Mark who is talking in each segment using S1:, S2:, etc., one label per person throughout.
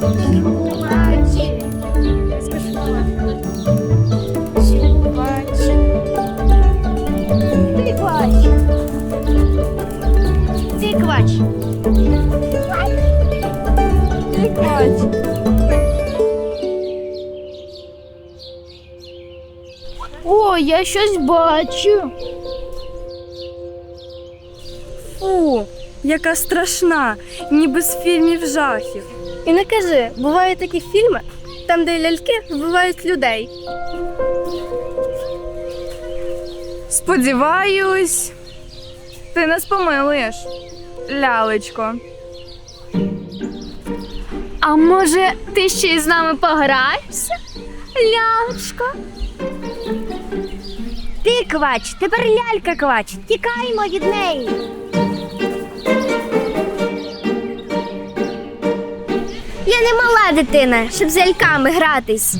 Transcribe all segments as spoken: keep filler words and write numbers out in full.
S1: Чувачі. Чувачі. Ти квач. Ти квач. Ти квач. О, я щось бачу.
S2: Фу, яка страшна, ніби з фільмів жахів.
S1: І не кажи, бувають такі фільми, там, де ляльки вбивають людей.
S2: Сподіваюсь, ти нас помилуєш, лялечко.
S1: А може, ти ще й з нами пограєшся, лялечко? Ти квач, тепер лялька квач. Тікаймо від неї. Я не мала дитина, щоб з ляльками гратись.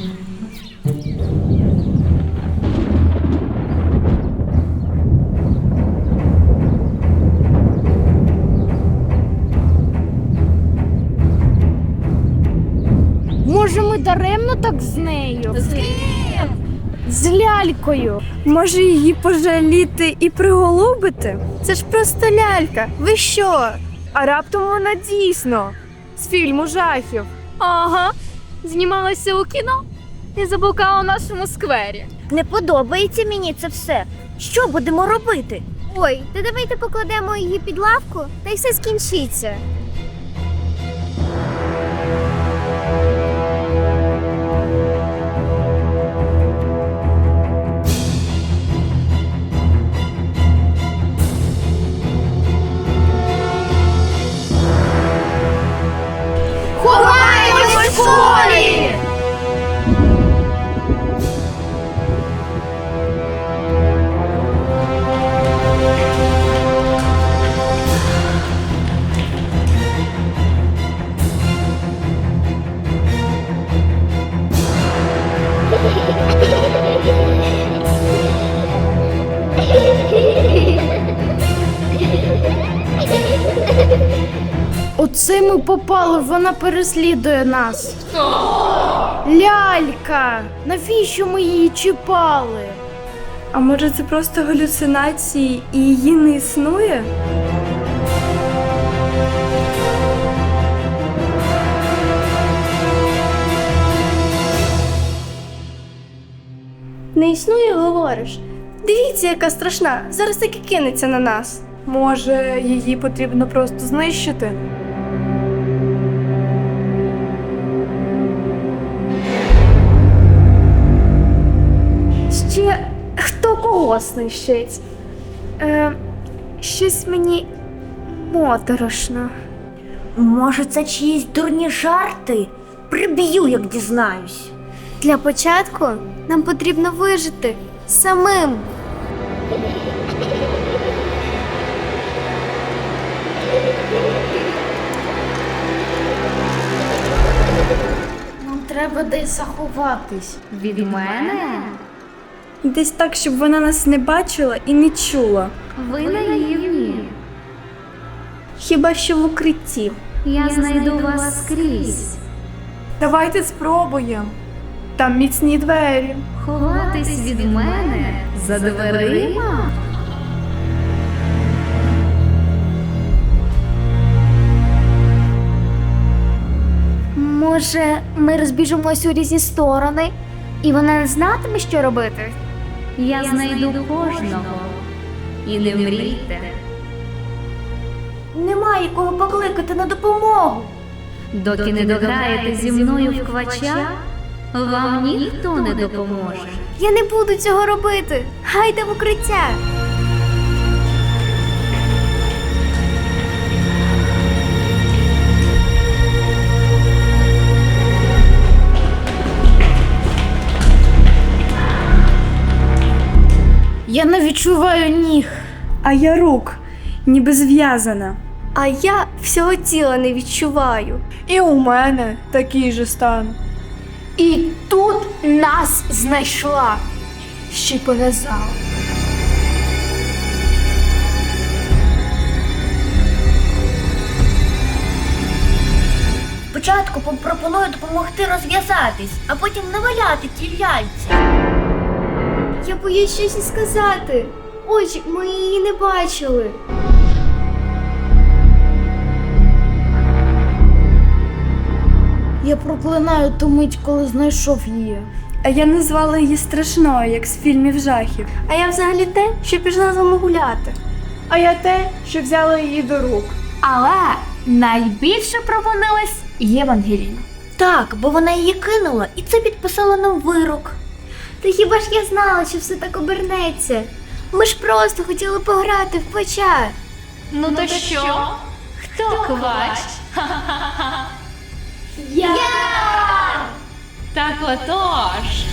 S1: Може, ми даремно так з нею? З ким? З лялькою.
S2: Може, її пожаліти і приголубити?
S1: Це ж просто лялька. Ви що?
S2: А раптом вона дійсно з фільму жахів.
S1: Ага. Знімалася у кіно і заблукала у нашому сквері.
S3: Не подобається мені це все. Що будемо робити?
S1: Ой, та давайте покладемо її під лавку, та й все скінчиться. Ховаємось в школі! Оце ми попали, вона переслідує нас. Лялька! Навіщо ми її чіпали?
S2: А може, це просто галюцинації і її не існує?
S1: Не існує, говориш? Дивіться, яка страшна. Зараз таки кинеться на нас.
S2: Може, її потрібно просто знищити?
S1: Ще хто кого знищить? Е, щось мені моторошно.
S3: Може, це чиїсь дурні жарти? Приб'ю, як дізнаюсь.
S1: Для початку нам потрібно вижити самим. Нам треба десь заховатись.
S4: Від мене?
S2: Десь так, щоб вона нас не бачила і не чула.
S4: Ви наївні.
S1: Хіба що в укритті.
S4: Я знайду вас скрізь.
S2: Давайте спробуємо. Там міцні двері.
S4: Ховатись від мене за дверима?
S1: Може, ми розбіжимось у різні сторони, і вона не знатиме, що робити?
S4: Я знайду кожного. І не мрійте.
S3: Немає кого покликати на допомогу.
S4: Доки не дограєте зі мною в квача, вам ніхто не допоможе.
S1: Я не буду цього робити. Гайда в укриття. Я не відчуваю ніг.
S2: А я рук, ніби зв'язана.
S1: А я всього тіла не відчуваю.
S2: І у мене такий же стан.
S1: І тут нас знайшла. Ще й пов'язала.
S3: Спочатку пропоную допомогти розв'язатись, а потім наваляти ті ляльці.
S2: Я боюсь щось і сказати. Ось, ми її не бачили.
S1: Я проклинаю ту мить, коли знайшов її.
S2: А я назвала її страшною, як з фільмів жахів.
S3: А я взагалі те, що пішла з вами гуляти.
S2: А я те, що взяла її до рук.
S1: Але найбільше провинилась Євангеліна.
S3: Так, бо вона її кинула, і це підписало нам вирок.
S2: Та хіба ж я знала, що все так обернеться? Ми ж просто хотіли пограти в квача.
S4: Ну то що? Хто квач?
S1: Я!
S4: Так отож.